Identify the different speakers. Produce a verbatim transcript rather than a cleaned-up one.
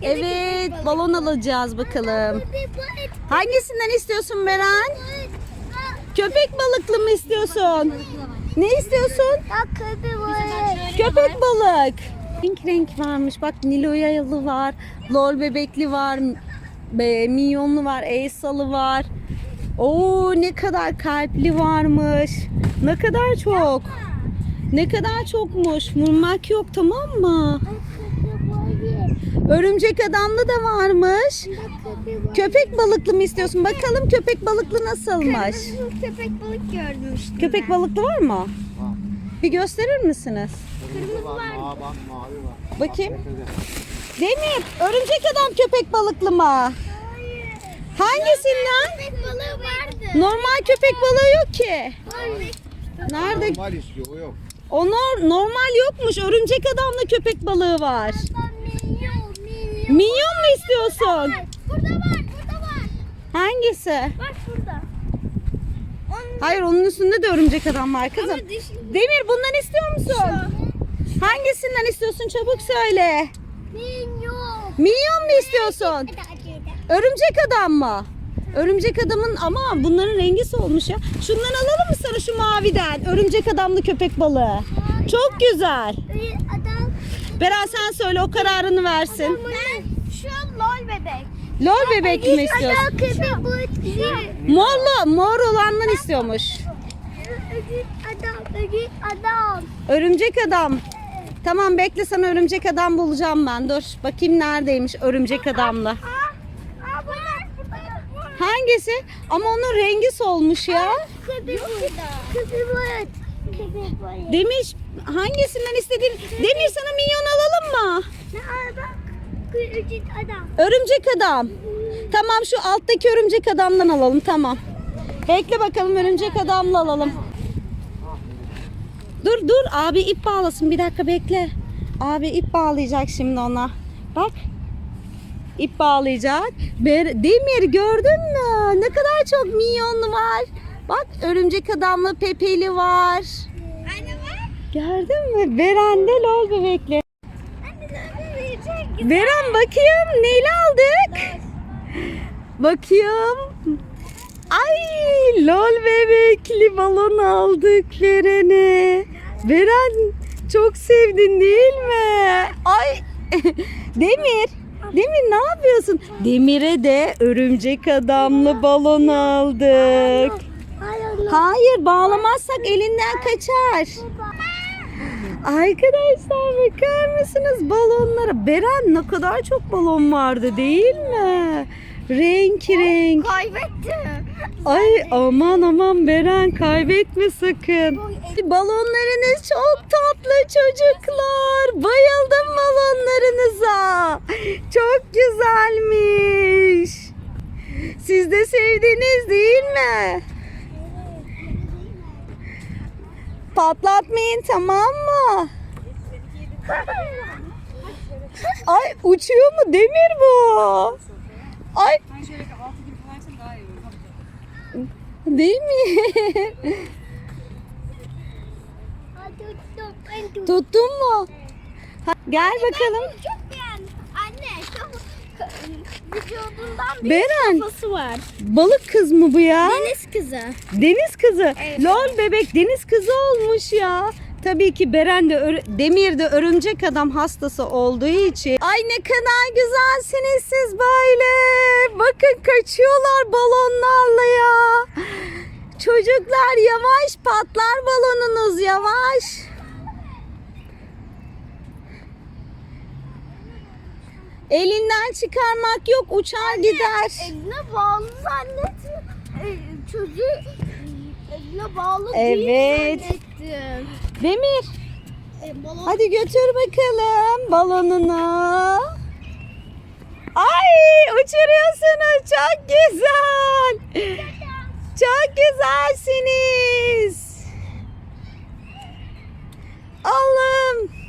Speaker 1: Evet, balon alacağız bakalım. Hangisinden istiyorsun Beren? Köpek balıklı mı istiyorsun? Ne istiyorsun? Köpek balık. Renk renk varmış. Bak Niloyalı var, Lol bebekli var, be, minyonlu var, Elsa'lı var. Oo ne kadar kalpli varmış. Ne kadar çok. Ne kadar çokmuş. Vurmak yok, tamam mı? Örümcek adamlı da varmış. Köpek balıklı mı istiyorsun? Bakalım köpek balıklı nasılmış?
Speaker 2: Köpek balık gördüm işte.
Speaker 1: Köpek balıklı var mı?
Speaker 3: Var.
Speaker 1: Bir gösterir misiniz?
Speaker 3: Kırmızı var, mavi var, mavi var.
Speaker 1: Bakayım. Demir, örümcek adam köpek balıklı mı? Hangisinden?
Speaker 2: Köpek balığı vardı.
Speaker 1: Normal köpek balığı yok ki. Nerede?
Speaker 3: Normal istiyor, o yok.
Speaker 1: O nor- normal yokmuş. Örümcek adamla köpek balığı var.
Speaker 2: Minyon, minyon.
Speaker 1: Minyon mu istiyorsun?
Speaker 2: Burada var, burada var.
Speaker 1: Hangisi?
Speaker 2: Bak burada. Onun
Speaker 1: Hayır, onun üstünde de örümcek adam var kızım.
Speaker 2: Ama dişli-
Speaker 1: Demir, bundan istiyor musun? Hangisinden istiyorsun? Çabuk söyle.
Speaker 2: minyon.
Speaker 1: Minyon mu istiyorsun? Örümcek adam mı? Örümcek adamın ama bunların rengi solmuş ya. Şundan alalım mı sana, şu maviden? Örümcek adamlı köpek balığı. Çok güzel.
Speaker 2: Adam.
Speaker 1: Beren sen söyle, o kararını versin.
Speaker 2: Ben şu an lol bebek.
Speaker 1: Lol bebek mi istiyorsun?
Speaker 2: Adam köpek balık değil.
Speaker 1: Morlu, mor olandan istiyormuş.
Speaker 2: Ödül adam, ödül adam.
Speaker 1: Örümcek adam. Tamam bekle, sana örümcek adam bulacağım ben. Dur bakayım neredeymiş örümcek adamla.
Speaker 2: Aa, aa bunlar burada.
Speaker 1: Hangisi? Ama onun rengi solmuş ya.
Speaker 2: Köpek balık. Köpek balık. Köpek balık.
Speaker 1: Demiş hangisinden istediğin. Demir, sana minyon alalım mı?
Speaker 2: Ne al bak. Ödül adam.
Speaker 1: Örümcek adam. Tamam, şu alttaki örümcek adamdan alalım, tamam. Bekle bakalım, örümcek adamla alalım. Dur dur, abi ip bağlasın, bir dakika bekle. Abi ip bağlayacak şimdi ona. Bak. İp bağlayacak. Ber- Demir, gördün mü? Ne kadar çok minyonlu var. Bak, örümcek adamlı Pepeli var.
Speaker 2: Anne bak.
Speaker 1: Gördün mü? Beren de Lol bebekli.
Speaker 2: Anne sana verecek.
Speaker 1: Beren bakayım, neyle aldık? Bakayım. Ay, Lol bebekli balon aldık Beren'e. Beren, çok sevdin değil mi? Ay Demir. Demir, ne yapıyorsun? Demir'e de örümcek adamlı balon aldık.
Speaker 2: Hayır.
Speaker 1: Hayır, bağlamazsak elinden kaçar. Arkadaşlar bakar mısınız balonlara? Beren, ne kadar çok balon vardı değil mi? Renk renk.
Speaker 2: Kaybettim.
Speaker 1: Ay aman aman Beren, kaybetme sakın. Balonlarınız çok tatlı çocuklar. Bayıldım balonlarınıza. Çok güzelmiş. Siz de sevdiniz değil mi? Patlatmayın, tamam mı? Ay, uçuyor mu Demir bu? Ay. Değil mi? Tuttun mu? Ha, gel bakalım.
Speaker 2: Çok beğendim. Anne şu vücudundan bir
Speaker 1: Beren,
Speaker 2: kafası var.
Speaker 1: balık kız mı bu ya?
Speaker 2: Deniz kızı.
Speaker 1: Deniz kızı.
Speaker 2: Evet.
Speaker 1: Lol bebek deniz kızı olmuş ya. Tabii ki Beren de ör- Demir de örümcek adam hastası olduğu için. Ay ne kadar güzelsiniz siz böyle. Bakın kaçıyorlar balonlarla ya. Çocuklar yavaş, patlar balonunuz, yavaş. Elinden çıkarmak yok, uçar gider.
Speaker 2: Eline bağlı zannettim. E, çocuğu eline bağlı
Speaker 1: Evet.
Speaker 2: değil zannettim.
Speaker 1: Demir,
Speaker 2: E, balon
Speaker 1: hadi götür bakalım balonunu. Ay, uçuruyorsunuz, çok güzel. Çok güzelsiniz. Allah'ım.